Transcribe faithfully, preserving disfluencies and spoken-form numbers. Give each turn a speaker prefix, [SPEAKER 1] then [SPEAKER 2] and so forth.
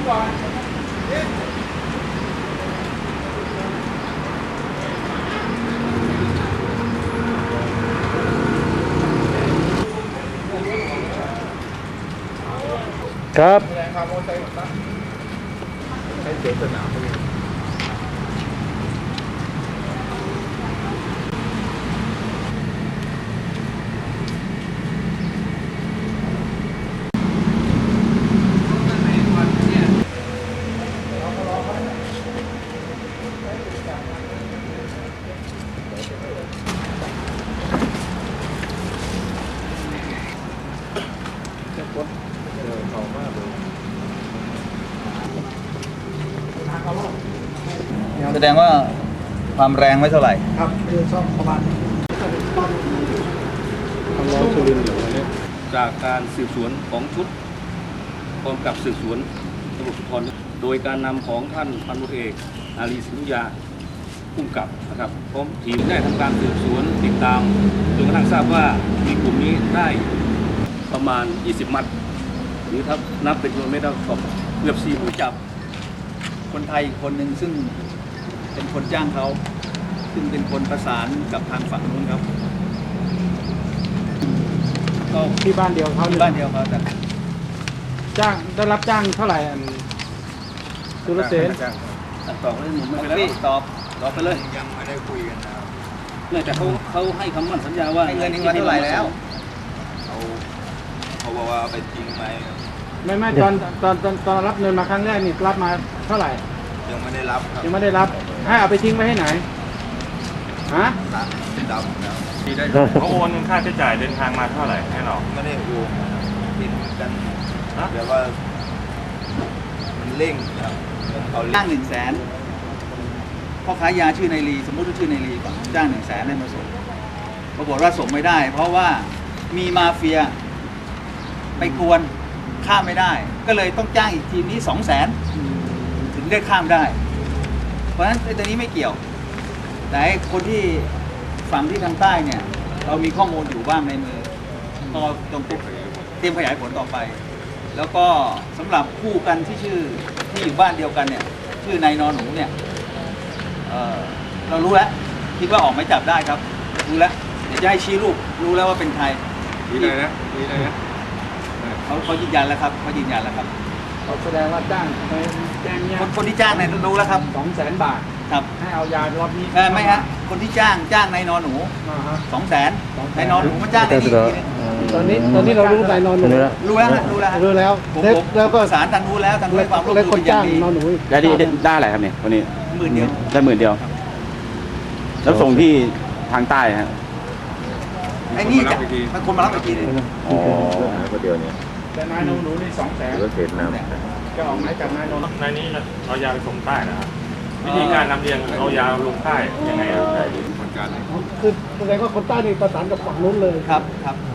[SPEAKER 1] ครับ
[SPEAKER 2] ให้เสียสนามไปเลย
[SPEAKER 3] แสดงว่าความแรงไม่เท่าไหร่
[SPEAKER 2] ครับคือซ่อมประมาณทำร้อนสุรินทร์เหรอวันนี้
[SPEAKER 4] จากการสืบสวนของชุดกองกับสืบสวนตำรวจภูธรโดยการนำของท่านพันตำรวจเอกอารีสิงห์ยาผู้กำกับนะครับพร้อมทีมได้ทำการสืบสวนติดตามจนกระทั่งทราบว่ามีกลุ่มนี้ได้ประมาณยี่สิบมัดหรือถ้านับเป็นกิโลเมตรก็เกือบสี่ผู้จับ
[SPEAKER 3] คนไทยอีกคนหนึ่งซึ่งเป็นคนจ้างเขาซึ่งเป็นคนประสานกับทางฝั่งนู้นครับ
[SPEAKER 2] ก็ที่บ้านเดียวเขา
[SPEAKER 3] ที่บ้านเดียวเขาแต่
[SPEAKER 2] จ้างได้รับจ้างเท่าไหร่อันสุรเสน
[SPEAKER 4] ตอบเลยหนุ่มไม่ไปแล้ว
[SPEAKER 3] ตอบตอบไปเลย
[SPEAKER 4] ยังไม่ได้คุยกันนะเนื่องจากเขาเขาให้คำมั่นสัญญาว่า
[SPEAKER 3] ให้เงินนี้มาเท่าไหร่แล้ว
[SPEAKER 4] เขาเขาบอกว่าไปจริงไหม
[SPEAKER 2] ไม่ไม่ตอนตอนตอนตอนรับเงินมาครั้งแรกนี่รับมาเท่าไหร่
[SPEAKER 4] ยังไม่ได้รับครับ
[SPEAKER 2] ยังไม่ได้รับให้เอาไปทิ้งไว้ให้ไหนฮะ
[SPEAKER 4] ดำแล้ว
[SPEAKER 5] เขาโอนค่าใช้จ่ายเดินทางมาเท่าไหร่ให้เรา
[SPEAKER 4] ไม่ได้โอนติดกันแต่ว่ามันเร่งครับ
[SPEAKER 3] เขาจ้างหนึ่งแสนพ่อค้ายาชื่อนายลีสมมติว่าชื่อนายลีก่อนจ้างหนึ่งแสนให้มาส่งปรากฏว่าส่งไม่ได้เพราะว่ามีมาเฟียไปกวนข้ามไม่ได้ก็เลยต้องจ้างอีกทีนี้สองแสนถึงได้ข้ามได้เพราะฉะนั้นไอ้ตัวนี้ไม่เกี่ยวแต่คนที่ฝั่งที่ทางใต้เนี่ยเรามีข้อมูลอยู่บ้างในมือก็ต้องเตรียมขยายผลต่อไปแล้วก็สำหรับคู่กันที่ชื่อที่อยู่บ้านเดียวกันเนี่ยชื่อนายนอนหนูเนี่ย เ, เรารู้แล้วคิดว่าออกหมายจับได้ครับรู้แล้วเดี๋ยวจะให้ชี้รูปรู้แล้วว่าเป็นใคร
[SPEAKER 4] นี่เลยนะนี่เลยนะ
[SPEAKER 3] เขาเขายืนยันแล้วครับเขายืนยันแล้วครับ
[SPEAKER 2] เขาแสดงว่าจ้างไปแจ้งเนี่ย
[SPEAKER 3] คนคนที่จ้างเนี่ยรู้แล้วครับ
[SPEAKER 2] สองแสนบาท
[SPEAKER 3] ครับ
[SPEAKER 2] ให้เอายารอบนี้
[SPEAKER 3] ไม่ฮะคนที่จ้างจ้างนายนอนหนูสองแสนนายนอนหนูมาจ้างในนี้
[SPEAKER 2] ตอนนี้ตอนนี้เรารู้นายนอนหนู
[SPEAKER 3] รู้แล้วรู้แล้ว
[SPEAKER 2] รู้แล้ว
[SPEAKER 3] แล้วก็ศาลทางรู้แล้วทางรู้ความร่วมมือ
[SPEAKER 2] อย่างดี
[SPEAKER 5] ได้ได้อะไรครับเนี่ยวันนี้
[SPEAKER 3] หมื่นเดียว
[SPEAKER 5] ได้หมื่นเดียวแล้วส่งที่ทางใต้ฮะ
[SPEAKER 3] ไอ้นี่จะมันคนมารับอีกทีนึง
[SPEAKER 5] อ๋อ
[SPEAKER 4] ก็เดียวเนี่ย
[SPEAKER 2] แต่นายนอนหนูนี่สองแสน
[SPEAKER 4] ก็เห็นนะ
[SPEAKER 2] จะออกหมายจับนายนอน
[SPEAKER 5] นายนี้เอายาไปส่งใต้นะครับวิธีการนำเรียนเอายาลงใต้ยังไงครับ
[SPEAKER 2] คือแสดงว่าคนใต้นี่ประสานกับฝั่งนู้นเลย
[SPEAKER 3] ครับครับ